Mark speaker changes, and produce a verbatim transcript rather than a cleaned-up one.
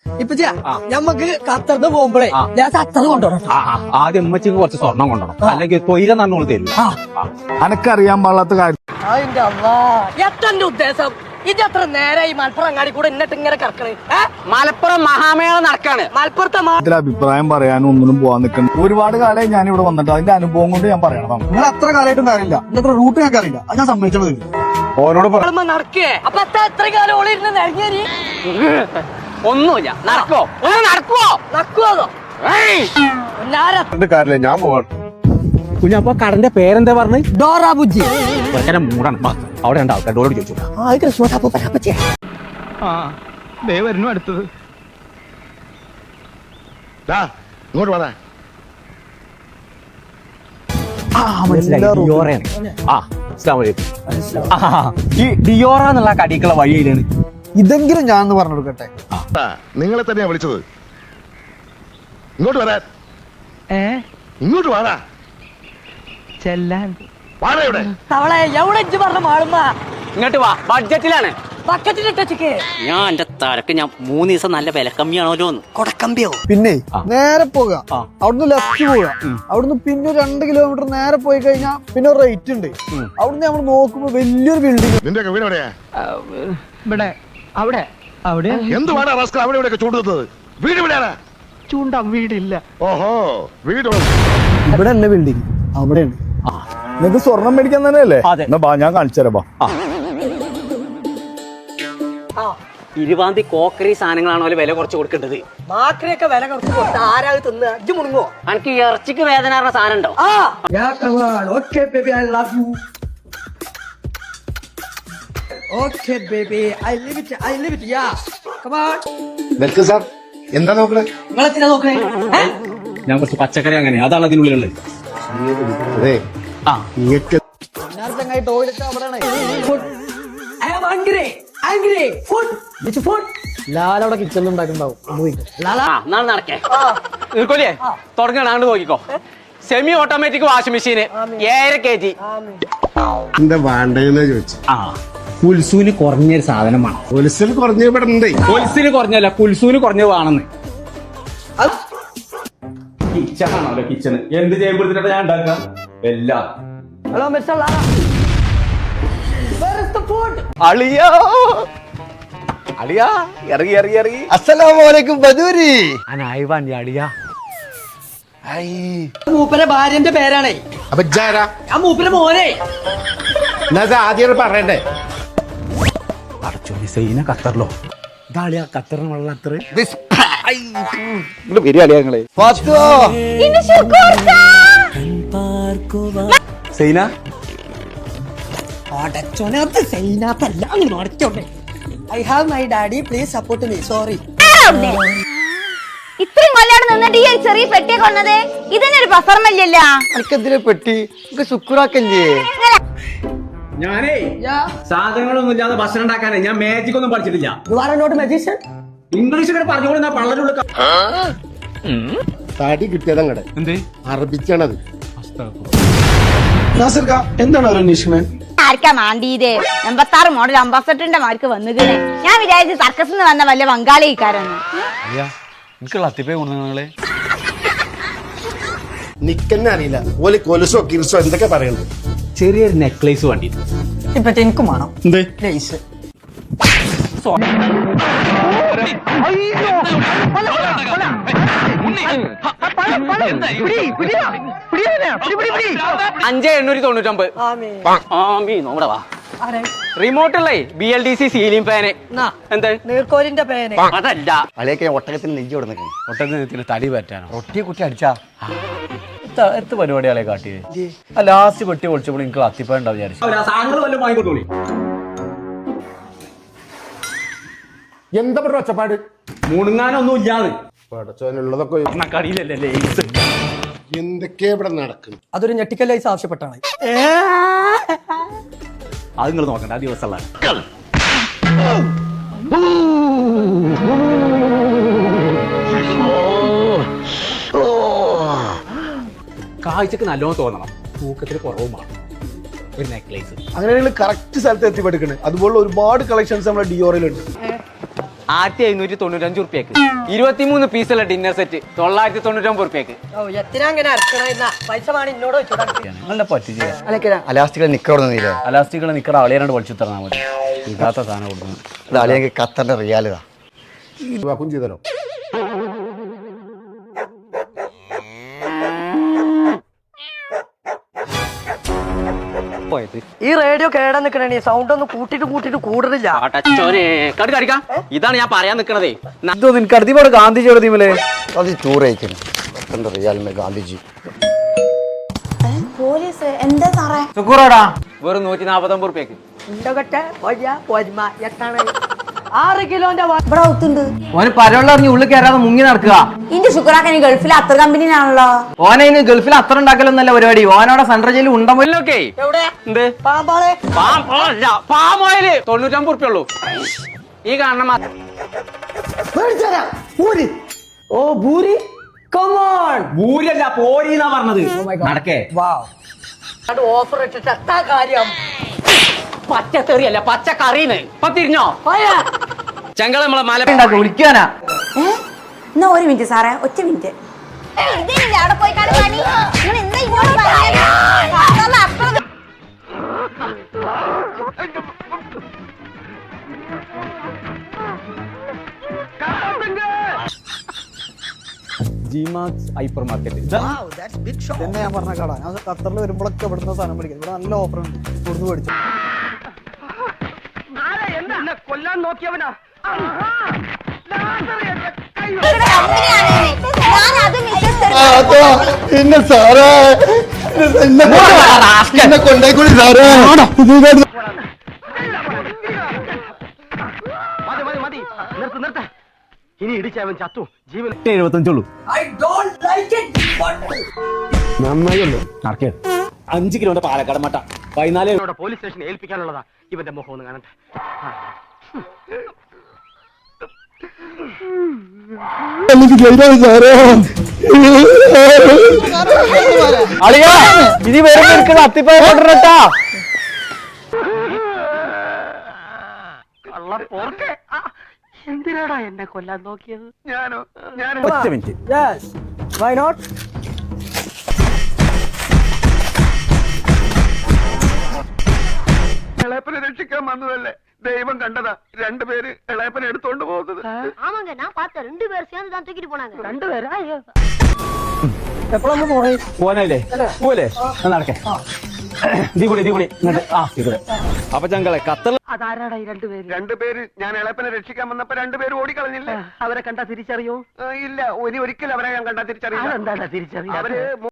Speaker 1: ഇപ്പൊ ഞമ്മക്ക് ഖത്തറിന് പോകുമ്പോഴേ ഞാൻ ഖത്തർ കൊണ്ടുപോകണം.
Speaker 2: ആദ്യം ഉമ്മച്ചിക്ക് കുറച്ച് സ്വർണം കൊണ്ടുപോകണം, അല്ലെങ്കിൽ തൊയില നന്നോള് തരില്ല.
Speaker 3: അനക്കറിയാൻ പാടാത്ത കാര്യം.
Speaker 1: അതിന്റെ അള്ളാ എത്തന്റെ ഉദ്ദേശം ഇത് എത്ര നേരെ ഈ മലപ്പുറം അങ്ങാടി കൂടെ എന്നിട്ട് ഇങ്ങനെ കിടക്കണേ?
Speaker 2: മലപ്പുറം മഹാമേള നടക്കാണ്.
Speaker 1: മലപ്പുറത്തെ
Speaker 3: ഇതിൽ അഭിപ്രായം പറയാനും ഒന്നിനും പോവാൻ നിൽക്കുന്നു. ഒരുപാട് കാലമായി ഞാൻ ഇവിടെ വന്നിട്ട് അതിന്റെ അനുഭവം കൊണ്ട് ഞാൻ പറയണം. നിങ്ങൾ അത്ര കാലമായിട്ടും കാര്യമില്ല, ഇന്നത്തെ റൂട്ട് ഞാൻ അറിയില്ല, അത് ഞാൻ സമ്മതിച്ചത് ഓരോട്
Speaker 1: നടക്കേ. അപ്പൊ എത്ര കാലം ഓളിരുന്ന് നിറങ്ങേരി
Speaker 2: ഒന്നുമില്ല. നടക്കോ ഒന്ന് നടക്കുവോ
Speaker 1: നക്കുവോ
Speaker 3: കാര്യമില്ല, ഞാൻ പോവാണ്.
Speaker 2: കുഞ്ഞപ്പോ കടന്റെ പേരെന്താ പറഞ്ഞ്?
Speaker 1: ഡോറ ബുജ്ജി.
Speaker 2: മൂടാണ്. അവിടെ രണ്ട് ആൾക്കാർ ഡോളോട് ചോദിച്ചു.
Speaker 3: വരുന്നു അടുത്തത്. ഇങ്ങോട്ട് വേണേ.
Speaker 2: ഈ ഡിയോറ എന്നുള്ള കടിക്കുള്ള വഴിയിലാണ്.
Speaker 3: ഇതെങ്കിലും ഞാൻ പറഞ്ഞു കൊടുക്കട്ടെ.
Speaker 4: നിങ്ങളെ തന്നെയാ വിളിച്ചത്. ഇങ്ങോട്ട് വരാൻ. ഇങ്ങോട്ട് വാടാ.
Speaker 1: ചെല്ലാൻ
Speaker 4: വാടാ ഇവിടെ.
Speaker 1: തവളെ എവിടെ ഇജ്ജ് പറഞ്ഞ മാളുമ്മ?
Speaker 2: ഇങ്ങോട്ട് വാ, ബഡ്ജറ്റിലാണ്.
Speaker 1: ബക്കറ്റിലിട്ടേ
Speaker 5: ഞാൻ എന്റെ തലക്ക് ഞാൻ മൂന്ന് ദിവസം നല്ല വില കമ്മിയാണല്ലോ.
Speaker 1: കൊടക്കമ്പിയോ?
Speaker 3: പിന്നെ നേരെ പോക, അവിടുന്ന് ലെഫ്റ്റ് പോവുക, അവിടുന്ന് പിന്നെ രണ്ട് കിലോമീറ്റർ നേരെ പോയി കഴിഞ്ഞാൽ പിന്നെ റേറ്റ് ഉണ്ട്. അവിടുന്ന് നമ്മൾ നോക്കുമ്പോ വലിയൊരു ബിൽഡിംഗ്.
Speaker 4: നിന്റെ വീട് എവിടെയാ?
Speaker 1: ഇവിടെ അവിടെ അവിടെ
Speaker 4: എന്ത് വാടാ റാസ്കൽ അവിടെ ഇവിടെയൊക്കെ ചൂണ്ടുന്നത്? വീട് എവിടെയാണ്?
Speaker 1: ചൂണ്ട വീടില്ല.
Speaker 4: ഓഹോ, വീട്
Speaker 3: ഇവിടെ അല്ല ബിൽഡിംഗ്, അവിടെയാണ്. നിങ്ങക്ക് സ്വർണം മേടിക്കാൻ തന്നെയല്ലേ? എന്നാ ബാ, ഞാൻ കാണിച്ചു തരാം.
Speaker 5: ഇരുപതാം തീയതി കോക്കറി സാധനങ്ങളാണോ വില കുറച്ച് കൊടുക്കേണ്ടത്?
Speaker 1: മാക്രിയൊക്കെ വില കുറച്ച് കൊടുത്ത ആരാ തിന്ന്? അജ്ജ് മുണുങ്ങോ?
Speaker 5: എനിക്ക് ഇറച്ചിക്ക് വേദന പറഞ്ഞ സാധനം ഉണ്ടോ?
Speaker 1: Okay baby, I love you. Okay baby, I live it, I live it, yeah. Come on.
Speaker 4: Welcome sir. എന്താ നോക്കണേ?
Speaker 1: നിങ്ങളെത്തിനാ നോക്കണേ?
Speaker 2: ഞാൻ കുറച്ച് പച്ചക്കറി അങ്ങനെ അതാണ് അതിനുള്ളിലുള്ളത്.
Speaker 4: അതെ,
Speaker 2: ആ
Speaker 3: ടോയ്ലറ്റ് അവിടെയാണ്.
Speaker 1: I am hungry, hungry. Food, which food?
Speaker 3: ലാലവിടെ കിച്ചണിൽ ഉണ്ടാക്കുന്നുണ്ടാവും.
Speaker 5: നാളെ നടക്കേ
Speaker 2: നിൽക്കോലേ തുടങ്ങാണ്ട് നോക്കിക്കോ. സെമി ഓട്ടോമാറ്റിക് വാഷിംഗ് മെഷീന് ഏഴര കെ ജി.
Speaker 4: എന്താ വേണ്ടെന്ന് ചോദിച്ചു.
Speaker 2: ആ കുൽസൂന് കുറഞ്ഞൊരു സാധനമാണ്.
Speaker 4: ഹോൾസെയിൽ കുറഞ്ഞ ഇവിടെ ഉണ്ട്.
Speaker 2: ഹോൾസെയില് കുറഞ്ഞല്ല, കുൽസൂന് കുറഞ്ഞത് വേണമെന്ന്. കിച്ചണാണല്ലോ കിച്ചണ്. എന്ത് ചെയ്യുമ്പോഴത്തേക്കാ ഞാൻ ഉണ്ടാക്കാം എല്ലാം.
Speaker 1: Hello, Mister Lara. Where is the food?
Speaker 2: അളിയാ അളിയാ ഇറങ്ങി ഇറങ്ങി ഇറങ്ങി.
Speaker 3: അസ്സലാമലൈക്കും ബദൂരി.
Speaker 2: അനായി വണ്ടി അളിയാ.
Speaker 1: മൂപ്പരെ ഭാര്യന്റെ പേരാണേ.
Speaker 4: അപ്പൊ ജാരാ
Speaker 1: ആ മൂപ്പരെ മോനെ.
Speaker 4: ആദ്യം പറയണ്ടേ?
Speaker 2: അടച്ചോ സൈന ഖത്തറിലോ? ഇതാളിയാ ഖത്തറിന് വെള്ളം അത്ര
Speaker 3: ബിരിയാണിങ്ങളെ
Speaker 2: സൈന
Speaker 1: അടച്ചോനകത്ത് സൈനാത്തല്ല അങ്ങനെ അടച്ചോട്ടെ. I have my daddy, please support me. Sorry.
Speaker 6: ഇത്രയും കൊല്ലാണ് നിന്നിട്ട് ഈ ഒരു ചെറിയ പെട്ടിയെ കൊണ്ടത് ഇതിനൊരു പ്രസർമല്ലല്ല.
Speaker 3: എനിക്കെന്തിനെ പെട്ടി ശുക്രാക്കല്ലേ?
Speaker 2: ഞാനേ സാധനങ്ങളൊന്നും ഇല്ലാതെ ഭക്ഷണം ഉണ്ടാക്കാനേ ഞാൻ മാജിക് ഒന്നും പഠിച്ചിട്ടില്ല.
Speaker 1: You are not a magician?
Speaker 2: English ഇങ്ങനെ പറഞ്ഞോളൂ. ഞാൻ പള്ളലുള്ള
Speaker 4: തടി കിട്ടിയതങ്ങടെ
Speaker 2: എന്ത്
Speaker 4: അറബിച്ചാണത്.
Speaker 3: എന്താണ് അന്വേഷിക്കുന്നത്?
Speaker 6: ആർക്കാ മാണ്ടീത്? എൺപത്താറ് മോഡൽ അംബാസഡറിന്റെ മാർക്ക് വന്നുകണേ. ഞാൻ വിചാരിച്ചു സർക്കസിൽ നിന്ന് വന്ന വല്ല ബംഗാളിക്കാരെന്ന്.
Speaker 4: നിക്കന്നെ അറിയില്ല. ഓല് കൊലുസോ കിൽസോ എന്തൊക്കെ പറയുന്നത്.
Speaker 2: ചെറിയൊരു നെക്ലേസ് വേണ്ടി
Speaker 1: ഇപ്പൊ എനിക്കും വേണം.
Speaker 2: എന്ത്
Speaker 1: ലേസ്.
Speaker 2: അഞ്ചേ എണ്ണൂറ്റി തൊണ്ണൂറ്റൊമ്പത്.
Speaker 5: നോടെ വാ.
Speaker 2: റിമോട്ടുള്ളേ B L D C ceiling fan. എന്താ
Speaker 1: നീർക്കോലിന്റെ പേന്?
Speaker 2: അതല്ല
Speaker 4: അളിയൊക്കെ ഒട്ടകത്തിന് നെഞ്ചി കൊടുക്കുന്നു.
Speaker 2: ഒട്ടകത്തിന് തടി പറ്റാനോ?
Speaker 4: ഒട്ടി കുട്ടി അടിച്ചാ
Speaker 2: എത്ര പരിപാടികളെ കാട്ടിയത്. ലാസ്റ്റ് പെട്ടി പൊളിച്ചപ്പോൾ എനിക്ക് അത്തിപ്പണ്ടാവും വിചാരിച്ചു.
Speaker 4: എന്താ പറയുക ഒച്ചപ്പാട്?
Speaker 2: മുണുങ്ങാനൊന്നും ഇല്ലാതെ
Speaker 4: പടച്ചോനുള്ളതൊക്കെ
Speaker 2: കടിയിലല്ലേ
Speaker 4: എന്തൊക്കെയാ ഇവിടെ നടക്കുന്നു.
Speaker 1: അതൊരു ഞെട്ടിക്കൽ ലൈസ് ആവശ്യപ്പെട്ടാണ്.
Speaker 2: അത് നിങ്ങൾ നോക്കണ്ട, ആ ദിവസമുള്ള കാഴ്ചക്ക് നല്ലോണം തോന്നണം, തൂക്കത്തിൽ കുറവുമാണ്. ഒരു നെക്ലേസ്
Speaker 3: അങ്ങനെ കറക്റ്റ് സ്ഥലത്ത് എത്തിപ്പെടുക്കണേ. അതുപോലെ ഒരുപാട് കളക്ഷൻസ് നമ്മുടെ ഡിയോറിലുണ്ട്.
Speaker 2: ആയിരത്തി എഴുന്നൂറ്റി തൊണ്ണൂറ്റഞ്ച് റുപ്യക്ക് ഇരുപത്തിമൂന്ന് പീസുള്ള ഡിന്നർ സെറ്റ് തൊള്ളായിരത്തി തൊണ്ണൂറ്റൊമ്പത് റുപ്യക്ക്.
Speaker 1: ഓ എത്തിനാ അങ്ങനെ അടക്കണ പൈസ വേണം എന്നോട് വെച്ചോടാ.
Speaker 7: നിങ്ങളുടെ പറ്റില്ല അലാസ്റ്റിക്കുകൾ നിക്കറൊന്നുമില്ല. അലാസ്റ്റിക്കുകൾ നിക്കറ അളിയാണ്ട് പഠിച്ചു തന്നാൽ മതി. ഇതാത്ത സാധനം കൊടുക്കുന്നു. ഇത് അളിയെങ്കിൽ ഖത്തറിന്റെ റിയാലിതാ
Speaker 4: വാക്കും ചെയ്തല്ലോ.
Speaker 2: പോയത്
Speaker 1: ഈ റേഡിയോ കേടാ നിക്കണേ സൗണ്ട് ഒന്ന് കൂട്ടിട്ട് കൂട്ടിട്ട് കൂടുതലില്ല.
Speaker 2: ആട്ടച്ചോനെ കടി കടിക്കാം. ഇതാണ് ഞാൻ പറയാൻ നിക്കണതേ.
Speaker 7: ഇതോ നിനക്ക് അടുത്തിപ്പോടെ ഗാന്ധിജിയുടെ തീമല്ലേ
Speaker 3: അത് ടൂർ അയക്കുന്നു ഖത്തറിന്റെ റിയാലിന്റെ ഗാന്ധിജി.
Speaker 6: പോലീസ് എന്താ സാറേ?
Speaker 7: സുക്കൂറാടാ
Speaker 2: വെറും നൂറ്റി നാപ്പത്തൊമ്പത് റുപ്യക്ക്.
Speaker 1: ഉണ്ടകട്ടെ വലിയ പൊരുമ എത്താണ് ആറ് കിലോന്റെ വ-
Speaker 6: ഇവിടെ ഒത്തുണ്ട്.
Speaker 7: ഓന് പരവെള്ളറിഞ്ഞ് ഉള്ളിൽ കയറാതെ മുങ്ങി നടക്കുക.
Speaker 6: ഇന്റെ ശുക്രാക്കനി ഗൾഫിലെ അത്ര കമ്പനിയാണല്ലോ.
Speaker 7: ഓനയിന് ഗൾഫിൽ അത്ര ഉണ്ടാക്കലൊന്നല്ല പരിപാടി. ഓനോടെ സെൻട്രൽ ജയിലിൽ ഉണ്ടമൊക്കെ.
Speaker 1: എവിടെ
Speaker 2: എന്ത്
Speaker 1: പാമ്പാളെ
Speaker 2: പാമോയില് തൊണ്ണൂറ്റമ്പത് റുപ്യ ഉള്ളൂ. ഈ കാണണം മാ-
Speaker 1: ഓ ഭൂരി കമോൺ
Speaker 7: ഭൂരിയല്ല പോരീന്നാ പറഞ്ഞത്. നടക്കേ
Speaker 1: ഓഫർ ഇട്ടിട്ട് എത്താ കാര്യം.
Speaker 2: പച്ചത്തെറിയല്ല പച്ചക്കറിന്ന് ഇപ്പൊ തിരിഞ്ഞോ
Speaker 1: പോയാ
Speaker 2: ചെങ്കള നമ്മളെ മല
Speaker 7: ഉണ്ടാക്കി വിളിക്കാനാ.
Speaker 6: എന്നാ ഒരു മിനിറ്റ് സാറേ, ഒറ്റ മിനിറ്റ്. അവിടെ പോയി കാണും പണി. നിങ്ങൾ എന്താ ഇങ്ങോട്ട് പറഞ്ഞത്? അപ്പുറം
Speaker 7: ജിമാക്സ് ഹൈപ്പർ മാർക്കറ്റ്.
Speaker 3: തന്നെ ഞാൻ പറഞ്ഞ കട. ഞാൻ ഖത്തറിൽ വരുമ്പോഴൊക്കെ ഇവിടുന്ന് സാധനം മേടിക്കും. ഇവിടെ നല്ല ഓഫർ ഉണ്ട്. ഇവിടുന്ന് മേടിച്ചു.
Speaker 1: കൊല്ലാൻ നോക്കിയവനാ
Speaker 3: പിന്നെ സാറേ എന്നെ കൊണ്ടേക്കൂടി സാറേ.
Speaker 1: മതി മതി മതി നിർത്ത് നിർത്ത ഇനി ഇടിച്ചവൻ ചത്തു ജീവൻ.
Speaker 7: എഴുപത്തഞ്ചുള്ളൂ. നടക്കേ അഞ്ച് കിലോന്റെ പാലക്കാട് മട്ട പതിനാല്
Speaker 1: പോലീസ് സ്റ്റേഷനിൽ ഏൽപ്പിക്കാനുള്ളതാ. ഇവന്റെ മുഖം ഒന്ന് കാണട്ടെ.
Speaker 7: അളിയാ ഇനി വരുന്ന അത്തിപ്പായ കൊണ്ടുവരട്ടാ.
Speaker 1: എന്തിനാടാ എന്നെ കൊല്ലാൻ നോക്കിയത്? ഞാനോ ഞാൻ
Speaker 7: ഒറ്റ മിനിറ്റ്.
Speaker 1: Why not?
Speaker 4: ഇളയപ്പനെ രക്ഷിക്കാൻ വന്നതല്ലേ ദൈവം കണ്ടതാ. രണ്ടുപേര് ഇളയപ്പനെ എടുത്തോണ്ട് പോകുന്നത്.
Speaker 8: ஆமாங்க நான் பார்த்தேன் ரெண்டு பேர் சேர்ந்து தான் தூக்கிட்டு போனாங்க.
Speaker 1: രണ്ടുപേരാ
Speaker 3: എപ്പോഴാണ് പോണേ?
Speaker 7: പോനല്ലേ പോലെ നടക്കേ. ദീ കൂടി ദീ കൂടി ആ ദീ കൂടെ. അപ്പൊ ചങ്കളെ ഖത്തർ
Speaker 1: അതാരാടാ ഈ രണ്ടുപേര്?
Speaker 4: രണ്ടുപേര് ഞാൻ ഇളയപ്പനെ രക്ഷിക്കാൻ വന്നപ്പോ രണ്ടുപേര് ഓടിക്കളഞ്ഞില്ലേ?
Speaker 1: അവരെ കണ്ടാ തിരിച്ചറിയോ?
Speaker 4: ആ, ഇല്ല ഇനി ഒരിക്കലും അവരെ ഞാൻ കണ്ടാ തിരിച്ചറിയില്ല.
Speaker 1: അതെന്താടാ തിരിച്ചറിയാ?
Speaker 4: അവര്